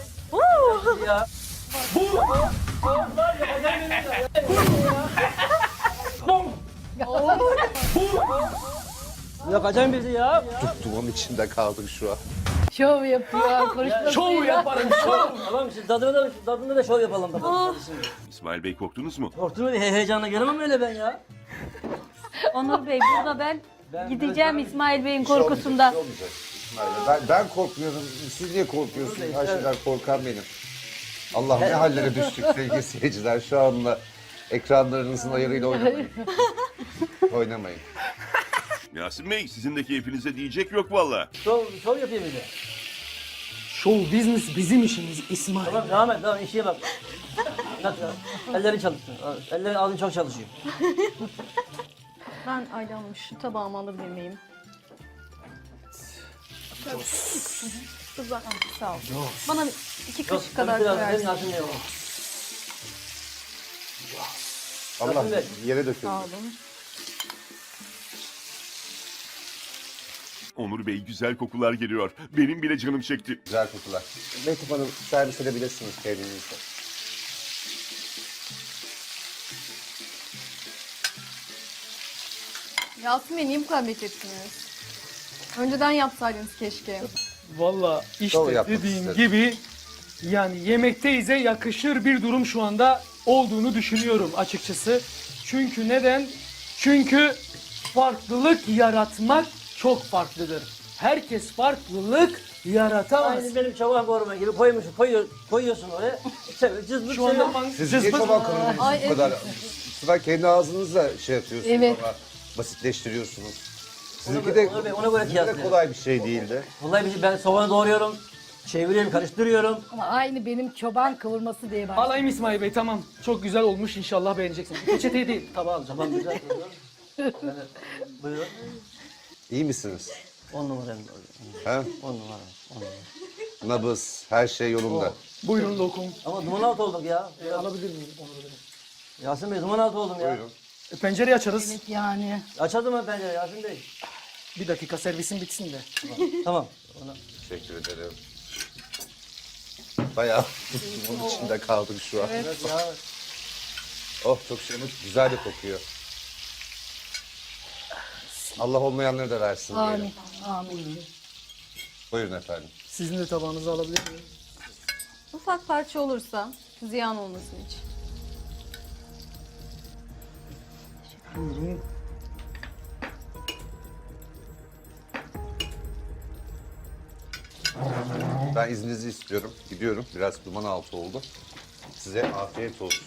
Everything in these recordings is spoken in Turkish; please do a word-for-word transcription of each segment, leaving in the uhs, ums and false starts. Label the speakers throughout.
Speaker 1: Ya. Bu. Var ya Bu. Yakacağım bizi ya.
Speaker 2: Dumanın içinde kaldık şu an.
Speaker 3: Şov yapıyor. Konuşmasıyla.
Speaker 1: Şov yaparım şov. Tamam şimdi tadına da, tadında da şov yapalım bakalım. Şimdi.
Speaker 4: İsmail Bey korktunuz mu?
Speaker 1: Korktum öyle he heyecanla gelemem öyle ben ya.
Speaker 3: Onur Bey burada ben,
Speaker 1: Ben-
Speaker 3: gideceğim
Speaker 1: ben-
Speaker 3: İsmail Bey'in
Speaker 2: Bir şey olmayacak,
Speaker 3: korkusundan.
Speaker 2: bir şey olmayacak. İsmail Bey. Ben, ben korkmuyorum. Siz niye korkuyorsunuz? Her şeyden korkan benim. Allah ne hallere düştük sevgili seyirciler. Şu anda ekranlarınızın ayarıyla oynamayın. Oynamayın.
Speaker 4: Yasin Bey sizin de keyfinize diyecek yok valla.
Speaker 1: Şov, şov yapayım bir de.
Speaker 5: Show business bizim işimiz İsmail.
Speaker 1: Tamam devam et devam işe bak. Nasıl? Ellerin çalışsın. Ellerin ağzın çok çalışıyor.
Speaker 3: Ben Ayla Hanım şu tabağımı alabilir miyim? Güzel. Sağ ol. Bana iki kaşık
Speaker 1: Yok,
Speaker 3: kadar
Speaker 1: biraz
Speaker 3: koyarsın.
Speaker 1: Yasin Bey oğlum.
Speaker 2: Allah
Speaker 1: Yasin Bey.
Speaker 2: yere döküldü.
Speaker 3: Sağ olun.
Speaker 4: Onur Bey güzel kokular geliyor. Benim bile canım çekti.
Speaker 2: Güzel kokular. Mektup Hanım servis edebilirsiniz kendinize.
Speaker 6: Yasin Bey niye bu kadar beklettiniz? Önceden yapsaydınız keşke.
Speaker 5: Valla
Speaker 2: Doğru
Speaker 5: işte
Speaker 2: yapmak
Speaker 5: dediğim
Speaker 2: istedim.
Speaker 5: gibi yani yemekteyize yakışır bir durum şu anda olduğunu düşünüyorum açıkçası. Çünkü neden? Çünkü farklılık yaratmak çok farklıdır. Herkes farklılık yaratamaz.
Speaker 1: Aynı benim çoban koruma gibi koymuşsun, koyuyor, koyuyorsun oraya. Cızbık
Speaker 5: Şu
Speaker 1: seviyor.
Speaker 5: anda man-
Speaker 2: Siz niye
Speaker 5: cızbız-
Speaker 2: çoban kavurmuyorsunuz bu kadar? Sıra kendi ağzınızla şey yapıyorsunuz
Speaker 6: Evet.
Speaker 2: ama basitleştiriyorsunuz. Sizinki
Speaker 1: Ona
Speaker 2: de,
Speaker 1: göre- ona göre- ona göre
Speaker 2: sizinki de
Speaker 1: kıyaslayalım.
Speaker 2: kolay bir şey değildi.
Speaker 1: Vallahi bir şey, ben soğanı doğruyorum, çeviriyorum, karıştırıyorum.
Speaker 3: Ama aynı benim çoban kıvırması diye başladı.
Speaker 5: Alayım İsmail Bey, tamam. Çok güzel olmuş, inşallah beğeneceksiniz. Peçeteyi değil, tabağı alacağım.
Speaker 1: Tamam güzel. Yani, buyurun.
Speaker 2: İyi misiniz?
Speaker 1: On numara.
Speaker 2: He?
Speaker 1: On numara. On numara.
Speaker 2: Nabız, her şey yolunda.
Speaker 5: Buyurun lokum.
Speaker 1: Ama duman altı olduk ya.
Speaker 5: Alabilir miyim Onur Bey?
Speaker 1: Yasin Bey duman altı oldum ya.
Speaker 2: Buyurun.
Speaker 5: E, pencereyi açarız.
Speaker 3: Yani.
Speaker 1: Açalım mı pencere Yasin Bey?
Speaker 5: Bir dakika servisin bitsin de.
Speaker 1: Tamam. Ona...
Speaker 2: Teşekkür ederim. Bayağı bunun içinde kaldık şu an.
Speaker 1: Evet ya.
Speaker 2: Oh çok şey, güzel de kokuyor. Allah olmayanları da versin
Speaker 3: Amin.
Speaker 2: diyelim.
Speaker 3: Amin.
Speaker 2: Buyurun efendim.
Speaker 5: Sizin de tabağınızı alabilir miyim?
Speaker 6: Ufak parça olursa ziyan olmasın hiç.
Speaker 5: Buyurun.
Speaker 2: Ben izninizi istiyorum. Gidiyorum. Biraz duman altı oldu. Size afiyet olsun.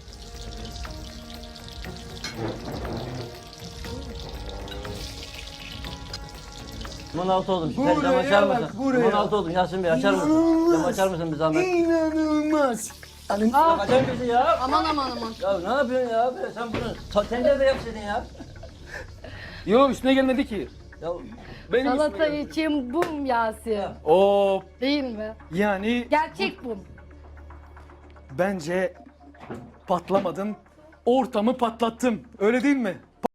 Speaker 1: Duman altı oldum. Sen cam açar mısın? Duman altı oldum Yasin Bey açar mısın? Cam açar mısın bir zahmet?
Speaker 5: İnanılmaz.
Speaker 1: Açar mısın ya?
Speaker 6: Aman aman aman.
Speaker 1: Ya ne yapıyorsun ya abi? Sen bunu ta- tencerede yapsaydın ya.
Speaker 5: Yo, üstüne gelmedi ki.
Speaker 1: Ya
Speaker 5: Benim
Speaker 3: Salata
Speaker 5: üstüme geldi.
Speaker 3: için bum Yasin.
Speaker 5: Oo,
Speaker 3: Değil mi?
Speaker 5: yani
Speaker 3: Gerçek bum.
Speaker 5: bence patlamadım. Ortamı patlattım. Öyle değil mi?